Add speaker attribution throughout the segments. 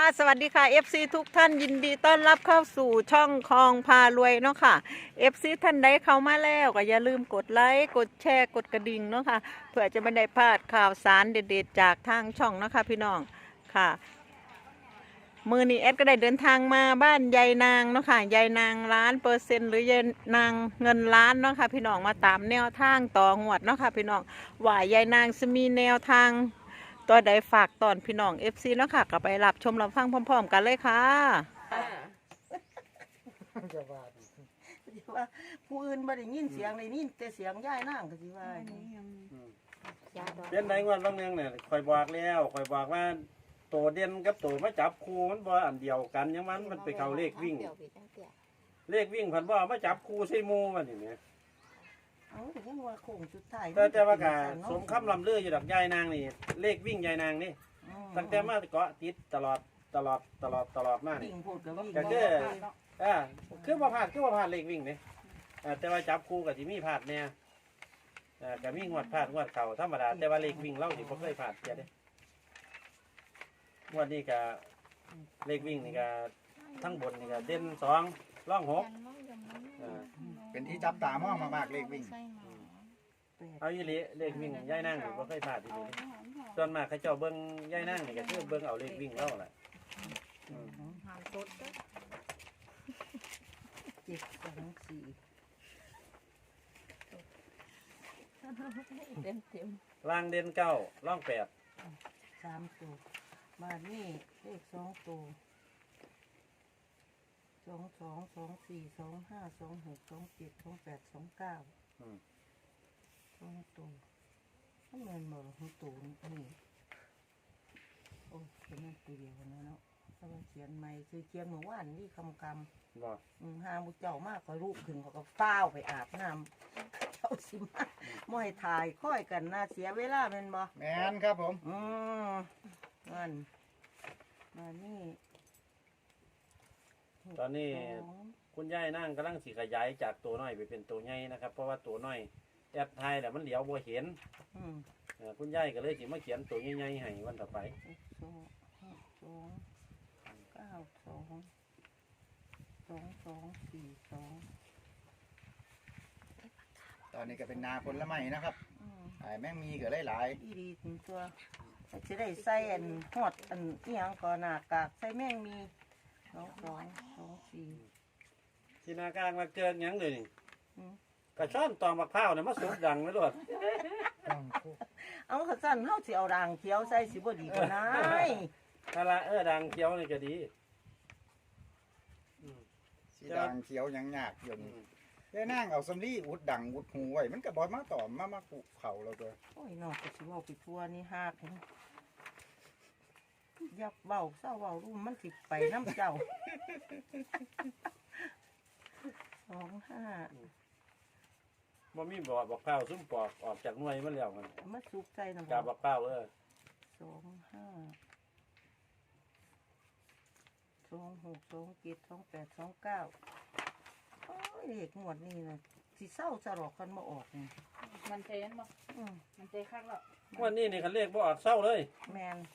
Speaker 1: สวัสดีค่ะ FC ทุกท่านยินดีต้อนรับเข้าสู่ช่องคลองพารวยเนาะค่ะ FC ท่านใดเข้ามาแล้วก็อย่าลืมกดไลค์กดแชร์กดกระดิ่งเนาะค่ะเพื่อจะไม่ได้พลาดข่าวสารเด็ดๆจากทางช่องเนาะค่ะพี่น้องค่ะมือนี้แอดก็ได้เดินทางมาบ้านยายนางเนาะค่ะยายนาง1,000%หรือยายนางเงินล้านเนาะค่ะพี่น้องมาตามแนวทางต่องวดเนาะค่ะพี่น้องว่ายายนางจะมีแนวทางตัวใดฝากตอนพี่น้อง FC เนาะค่ะก็ไปรับชมรับฟังพร้อมๆกันเลยค่ะ
Speaker 2: จะว่าดิว่าผู้อื่นบ่ได้ยินเสียงได้ยินแต่เสียงยายนางก็สิว่า
Speaker 3: เป็นไหนงวดบางเนืองเนี่ยคอยบอกแล้วคอยบอกว่าตัวเด่นกับตัวมาจับคู่มันบ่อันเดียวกันยังมันไปเข้าเลขวิ่งผันบ่มาจับคู่ใส่หมู่มันนี่แหม
Speaker 2: เอาแต่ยังว่าโค้งสุดท้าย
Speaker 3: แต่ว่ากะสมคำลำลืออยู่ดอกยายนางนี่เลขวิ่งยายนางนี่ตั้งแต่มาเกาะติดตลอดมานี่
Speaker 2: วิ่งพูดก็วิ่ง
Speaker 3: ก็คือบ่พลาดเลขวิ่งนี่แต่ว่าจับคู่ก็สิมีพลาดแน่ก็มีงวดพลาดงวดเข้าธรรมดาแต่ว่าเลขวิ่งเราสิบ่เคยพลาดเสียเด้งวดนี้ก็เลขวิ่งนี่ก็ทั้งบนนี่ก็เด่น2ร่อง6
Speaker 4: เป็นที่จับตามองมากๆเลขวิ่ง
Speaker 3: เอาอีหลีเลขวิ่งย่ายนั่งนี่บ่เคยพลาดอีหลีส่วนมากเขาเจ้าเบิ่งย่ายนั่งนี่ก็คือเบิ่งเอาเลขวิ่งเล่าแหละล่างเด่น9ร่อง8
Speaker 2: 3ตัวมานี่เลข2ตัว22 24 25 26 27 28 29ตัวมันเหมือนบ่ตัวนี่โอ้เป็นนั่นตัวเดียวนะเนาะถ้ามันเขียนใหม่คือเขียนเมื่อวานนี่คำ
Speaker 3: บ่
Speaker 2: หามุเจ้ามากก็รูปขึ้นเขาก็ฟ้าวไปอาบน้ำเจ้าสิมาม่อยถ่ายค่อยกันน่าเสียเวลาเป็นบ่
Speaker 4: แมนครับผม
Speaker 2: นั่นมานี่
Speaker 3: ตอนนี้คุณย่ายนั่งกำลังสิขยายจากตัวน้อยไปเป็นตัวใหญ่นะครับเพราะว่าตัวน้อยแอดไทยแหละมันเหลียวบ่เห็นคุณย่ายก็เลยสิมาเขียนตัวใหญ่ๆให้วันต่อไป
Speaker 4: ตอนนี้ก็เป็นนาผลไม้นะครับแม่งมีก็หลาย
Speaker 2: อีดีถึงตัวจะได้ใส่อันหอดอันที่ยังก่อนหน้ากากใส่แม่งมี2
Speaker 3: ที่นากลางมาเกินยังเลยนี่กระช่อนตอมมะพร้าวเนี่ยมาสุดดังไม่รอด
Speaker 2: เอาขสั้นเฮาสิเอาด่างเขียวใส่สิบ่ดีกว่านั้น
Speaker 3: นั่นละดังเขียวนี่ก็ดี
Speaker 4: สีดังเขียวยังยากอยู่นี่ได้นั่งเอาสำลีอุดดังอุดหูไว้มันก็บ่มาต่อมาปลูกเขาเราตัว
Speaker 2: โอ้ยนอกก็สิเว้าไปทั่วนี่ฮากยับเว้าเศร้าเว้ารู้มันสิไปน้ำเจ้า25
Speaker 3: บ่มีบอกข้าวซุ้มปอกออกจากหน่วยมันแล้ว
Speaker 2: มันสุกใจนะ
Speaker 3: กาบอกข้าว
Speaker 2: 25 26 27 28 29โอ้ยเด็กหมวดนี่นะสิเศร้าสลอกกันมาออกนี่
Speaker 5: มันเทนบ่มันเทคักแล้ว
Speaker 3: วันนี้นี่เขาเรียกบ่ออกเศร้าเลย
Speaker 2: แมน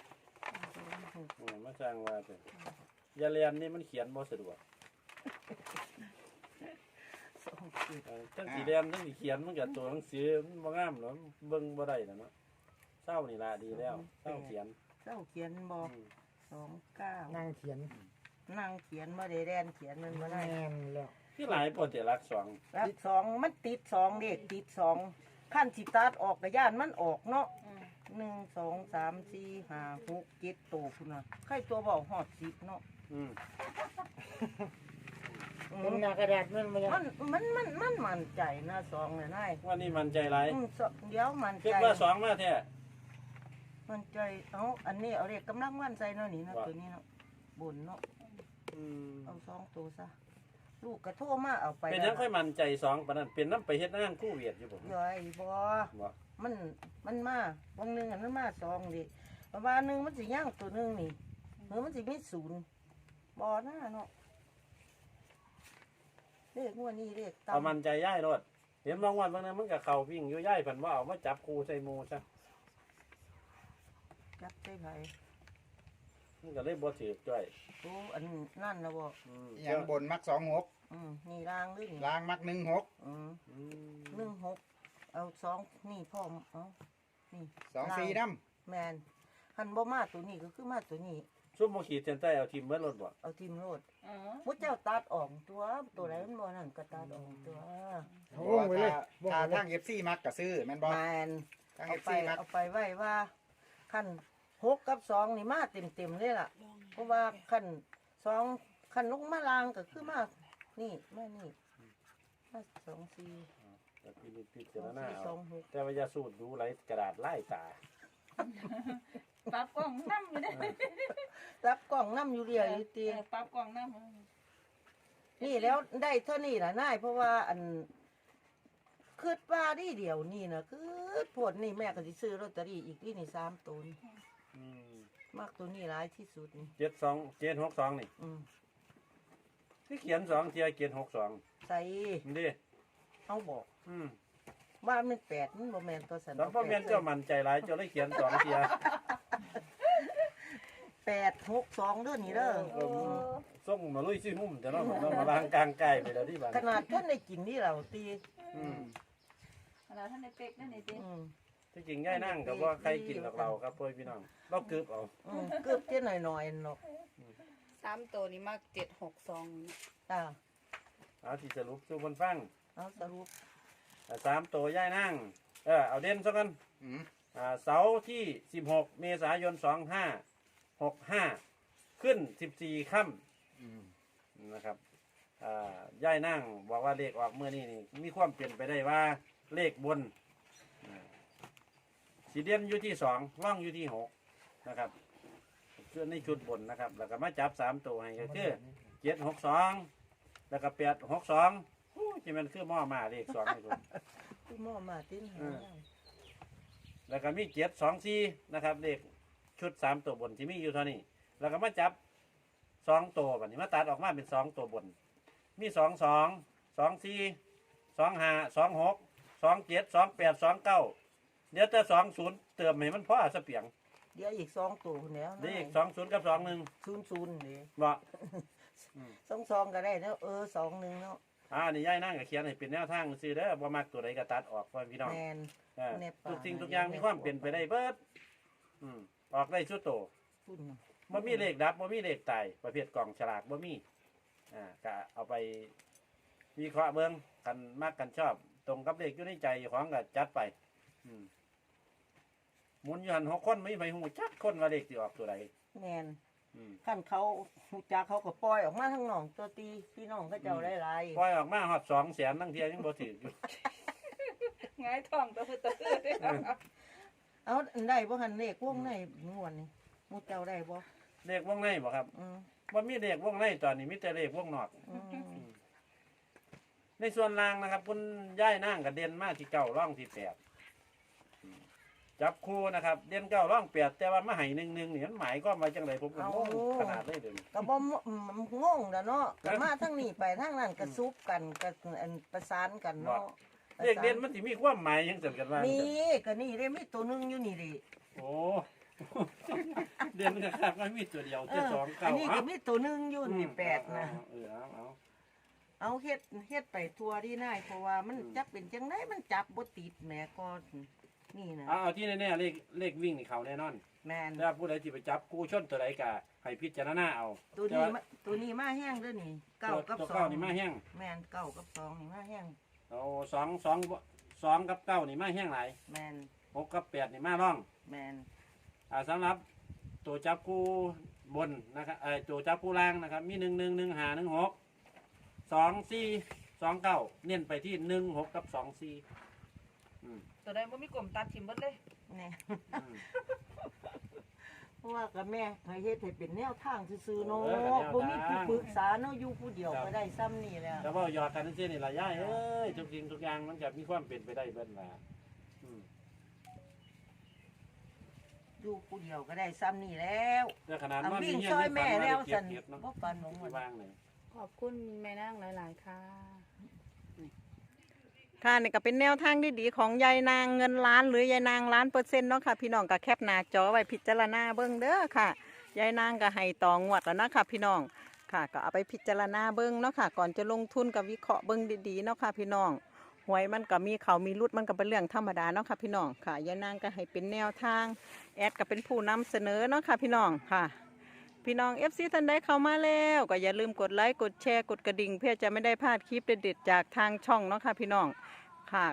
Speaker 3: มาสร้างว่าเป็นยาเรียนนี่มันเขียนบ่สะดวกตั้งสีแดงตั้งสีเขียนมันกับตัวหนังสือมันบ่งามหรอเบิ่งบ่ได้แล้วเนาะเศร้านี่ล่ะดีแล้วเศร้าเขียน
Speaker 2: บ่29
Speaker 4: นั่งเขียน
Speaker 2: บ่ได้แดนเขียนมันบ่ได้
Speaker 4: แล้ว
Speaker 3: ที่หลายปวดแต่รัก
Speaker 2: 2มันติด2เด็กติด2ขั้นสิตัดออกกระย่านมันออกเนาะ1 2 3 4 5 6 7โตพุ่นน่ะใครตัวเบาฮอด10เนาะ
Speaker 4: เป็นหน้ากระดาษมัน
Speaker 2: มั่นใจนะ2น่ะนาย
Speaker 3: ว่านี่มันใจหลาย
Speaker 2: เดี๋ยวมันใจ
Speaker 3: คิดว่า2มาแท้
Speaker 2: มันใจเอาอันนี้เอาเลขกำลังวันใส่เนาะนี่เนาะตัวนี้เนาะบนเนาะเอา2ตัวซะลูกกระโทรมาเอาไป
Speaker 3: เป็นยังค่อยมันใจ2ปานนั้นเป็นน้ำไปเฮ็ดงานคู่เวียดอยู่บ่
Speaker 2: ย่อยบ่มันมาบางนึงอันนั้นมา2ดิประมาณนึงมันสิย่างตัวนึงนี่มันสิมี0บ่นะเนาะเลขงวดนี้เลข
Speaker 3: เอามันใจย่ายรถเห็นบางวันบางนั้นมันก็เข้าวิ่งอยู่ย่ายเพิ่นว่าเอามาจับคู่ใส่หมู่ซะ
Speaker 2: จับใส่ไผ
Speaker 3: มันก็เลยบ่ถือจ้อย
Speaker 2: โอ้อันนั่นนะบ่
Speaker 3: อืม
Speaker 4: อย่างบนมัก26
Speaker 2: นี่ล่างด้วยนี่
Speaker 4: ล่างมัก16
Speaker 2: อืม
Speaker 3: อืม
Speaker 2: 16เอา2นี่พร้อมเอานี่
Speaker 4: 24นำ
Speaker 2: แมนหันบ่มาตัวนี้ก็คือมาตัวนี้
Speaker 3: ซุปบ่ขีดเส้นใต้เอาทีมเบิดรถบ่
Speaker 2: เอาทีมโลด
Speaker 5: อ๋อ
Speaker 2: มุดเจ้าตัดออกตัวไหนมันบ่นั่นก็ตัดออกตัว
Speaker 6: วงไว้เลย
Speaker 4: ถ้าทาง FC มักก็ซื้อแม่นบ่
Speaker 2: แมน
Speaker 4: ทาง
Speaker 2: เอา
Speaker 4: FC
Speaker 2: ไป
Speaker 4: มัก
Speaker 2: เอาไปไว้ว่าขั้น6กับ2นี่มาเต็มเลยล่ะ เพราะว่าขั้น2ขั้นลงมาลางก็คือมานี่มานี่มา2 4
Speaker 3: แต่พิจารณา
Speaker 2: 2
Speaker 3: เอา
Speaker 2: 4 2 6
Speaker 3: แต่ว่าอย่าสูดดูไหลกระดาษไล่ตา
Speaker 5: ปรับกล้องน้ำอยู่เด้
Speaker 2: รับกล้องน้ำอยู่เรียอยู่ตี
Speaker 5: ปรับกล้องน้ำ
Speaker 2: นี่แล้วได้เท่านี้ล่ะนายเพราะว่าอันคืดว่าดีเดียวนี่นะคือผลนี่แม่ก็สิซื้อลอตเตอรี่อีกที่นี่3ตัวนี่
Speaker 3: อืม
Speaker 2: มากตัวนี้หลายที่สุดนี่
Speaker 3: 762นี่
Speaker 2: อืม
Speaker 3: ที่เขียน2เที่ยเขียน62
Speaker 2: ใส่
Speaker 3: นี่ดิ
Speaker 2: เอาบอก
Speaker 3: อืม
Speaker 2: ว่ามัน8มันบ่แม่นตัวสัน
Speaker 3: แล้วพ่อแม่นเจ้ามั่นใจหลายเจ้าเลยเขียน2เที่ย
Speaker 2: 862เด้อนี่เด้อ
Speaker 3: เออส่งมาลุยซิหุ่มแต่เนาะมันมาล้างกลางไก่ไปแล้วที่บ้าน
Speaker 2: ขนาดท่านได้กินนี่เราตี
Speaker 3: อืม
Speaker 5: แล้วท่านในเป็กนั่นนี่สิ
Speaker 2: อืม
Speaker 3: ที่จริงย่ายนั่งกับว่าใครกินกับเราครับพ่อพี่น้องเรากึบเอา
Speaker 2: เกือบเท่หน่อยๆเนาะ
Speaker 7: 3ตัวนี้มาก762
Speaker 2: อ่า
Speaker 3: เอาที่สรุปสู่คนฟัง
Speaker 2: เอาสรุป
Speaker 3: 3ตัวย่ายนั่งเอาเด่นซะกัน
Speaker 4: อืม
Speaker 3: เสาร์ที่16เมษายน2565ขึ้น14ค่
Speaker 4: อืม
Speaker 3: ำนะครับย่ายนั่งบอกว่าเลขออกเมื่อนี้นี่มีความเปลี่ยนไปได้ว่าเลขบนสีเด่นอยู่ที่2ร่องอยู่ที่6นะครับคือในชุดบนนะครับแล้วก็มาจับ3ตัวให้ก็คือ762แล้วก็862ที่มันคือหม้อมาเลข2นี่คน
Speaker 2: คือหม้อมาติ้นหา
Speaker 3: แล้วก็มี724นะครับเลขชุด3ตัวบนที่มีอยู่เท่านี้แล้วก็มาจับ2ตัวแบบนี้มาตัดออกมาเป็น2ตัวบนมี22 24 25 26 27 28 29เดี๋ยวแต่20เติมให้มันพอสเปียง
Speaker 2: เดี๋ยวอีก2ตัวแล้ว
Speaker 3: เดี๋ยวอีก20กับ21
Speaker 2: 00นี่
Speaker 3: บ่
Speaker 2: 22ก็ได้เนาะ21เนาะ
Speaker 3: นี่ย่ายนั่งก็เขียนให้เป็นแนวทางซื่อเด้อบ่มักตัวใดก็ตัดออกพ่อพี่น้อง
Speaker 2: แมน แนบปาก
Speaker 3: ทุกสิ่งทุกอย่างมีความเปลี่ยนไปได้เบิดออกได้ชุดโต
Speaker 2: พุ่น
Speaker 3: บ่มีเลขดับบ่มีเลขตายประเภทกล่องฉลากบ่มีก็เอาไปวิเคราะห์เบิ่งกันมักกันชอบ ตรงกับเลขอยู่ในใจของก็จัดไปหมุนอยู่หัน6คนไม่ไปฮู้จักคนว่าเลขสิออกตัวใด
Speaker 2: แมน
Speaker 3: อืม
Speaker 2: ขั้นเขาหูจักเขาก็ปล่อยออกมาทั้งน้องตัวตีพี่น้องก็เจ้าได้หลาย
Speaker 3: ปล่อยออกมาฮอด200,000ทั้งเที่ยยังบ่ถืออยู่
Speaker 5: ง่ายท้องตะพื้นตะพื้น
Speaker 2: เอาอันได้บ่หันเลขวงในงวนนี่หมูเจ้าได้บ่
Speaker 3: เลขวงในบ่ครับ
Speaker 2: อืม
Speaker 3: บ่มีเลขวงในตอนนี้มีแต่เลขวงนอก
Speaker 2: อืม
Speaker 3: ในส่วนล่างนะครับคุณย่ายนั่งกับเด่นมากที่เก้าร่องที่8จับคู่นะครับ เด่น9ร่อง8แต่ว่ามาให้1-1นี่มันหมายความว่าจังไดผมก็งงขนาดเลยเดี๋ยวนี้
Speaker 2: ก็บ่งงแล้วเนาะก็มาทั้งนี้ไปทั้งนั้นก็ซุบกันก็อันประสานกันเนาะ
Speaker 3: เลขเด่นมันสิมีความหมายจังซั่นกันว่า
Speaker 2: นี่ก็นี่ได้มีตัวหนึงอยู่นี่ดิ
Speaker 3: โอ้ เด่นก็ครับมันมีตัวเดียว
Speaker 2: เอ
Speaker 3: จะ
Speaker 2: อ
Speaker 3: สอง
Speaker 2: อั
Speaker 3: เก้าน
Speaker 2: นี้ก็มีตัวหนึงอยู่นี่แปดนะ
Speaker 3: เอา
Speaker 2: เอาเฮ็ดไปทัวดีนายเพราะว่ามันจับเป็นจังไดมันจับบ่ติดแหมก็นี่นะ
Speaker 3: เอาที่แน่ๆเลขวิ่งนี่เขาแน่นอน
Speaker 2: แม่น
Speaker 3: ถ้าผู้ใดที่ไปจับกู้ชนตัวใดก็ให้พิจารณาเอา
Speaker 2: ตัวนี้มาแห้งเด้อนี่เก้ากับ
Speaker 3: ตัว
Speaker 2: สอ
Speaker 3: เก้าง นี่มาแห้ง
Speaker 2: แม่นเก้ากับสองนี่มาแห้ง
Speaker 3: เอา2กับ9นี่มาแห้งหลาย
Speaker 2: แม่น
Speaker 3: 6กับ8นี่มาร่อง
Speaker 2: แม่น
Speaker 3: สำหรับตัวจับคู่บนนะครับตัวจับคู่ล่างนะครับ มี111516 2429เน้นไปที่16กับ24
Speaker 5: ตัวใดบ่มีกลมตัดทิมเบิดเลย
Speaker 2: แน่ เพราะว่ากับแม่ให้เฮ็ดให้เป็นแนวทางซื่อๆเนาะบ่มีผู้ปรึกษาเนาะอยู่ผู้เดียวก็ได้ซ้ำนี่แหละ
Speaker 3: แต่ว่าหยอดกันซื่อๆนี่ล่ะย่ายเอ้ยทุกสิ่งทุกอย่างมันจะมีความเป็นไปได้เบิดล่ะ
Speaker 2: อยู่ผู้เดียวก็ได้ซ้ำนี่แล้ว
Speaker 3: แต่ขนาด
Speaker 2: เอา
Speaker 3: ว่า
Speaker 2: วิ่ง
Speaker 3: เฮีย
Speaker 2: ซอยแม่แล้ว
Speaker 3: เก็
Speaker 2: สั
Speaker 3: บ
Speaker 2: น
Speaker 3: เก็บเนาะ
Speaker 2: บ่ปันของมัน
Speaker 3: วางเลย
Speaker 7: ขอบคุณแม่นางหลาย ๆ ค่ะ
Speaker 1: ค่ะนี่ก็เป็นแนวทางดีๆของยายนางเงินล้านหรือยายนาง1,000,000%เนาะค่ะพี่น้องก็แคปหน้าจอไว้พิจารณาเบิ่งเด้อค่ะยายนางก็ให้ต่องวดแล้วนะคะพี่น้องค่ะก็เอาไปพิจารณาเบิ้งเนาะค่ะก่อนจะลงทุนกับวิเคราะห์เบิ้งดีๆเนาะค่ะพี่น้องหวยมันก็มีเขามีรุดมันก็เป็นเรื่องธรรมดาเนาะค่ะพี่น้องค่ะยายนางก็ให้เป็นแนวทางแอดก็เป็นผู้นำเสนอเนาะค่ะพี่น้องค่ะพี่น้อง FC ท่านใดเข้ามาแล้วก็อย่าลืมกดไลค์กดแชร์กดกระดิ่งเพื่อจะไม่ได้พลาดคลิปเด็ดๆจากทางช่องเนาะค่ะพี่น้องค่ะ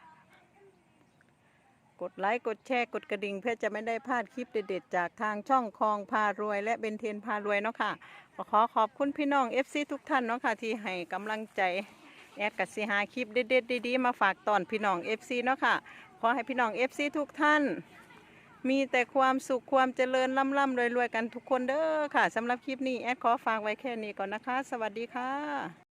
Speaker 1: กดไลค์กดแชร์กดกระดิ่งเพื่อจะไม่ได้พลาดคลิปเด็ดๆจากทางช่องคลองพารวยและเบนเทนพารวยเนาะค่ะขอขอบคุณพี่น้อง FC ทุกท่านเนาะค่ะที่ให้กำลังใจแอดกับสิหาคลิปเด็ดๆดีๆมาฝากตอนพี่น้อง FC เนาะค่ะขอให้พี่น้อง FC ทุกท่านมีแต่ความสุขความเจริญร่ำๆรวยๆกันทุกคนเด้อค่ะสำหรับคลิปนี้แอดขอฝากไว้แค่นี้ก่อนนะคะสวัสดีค่ะ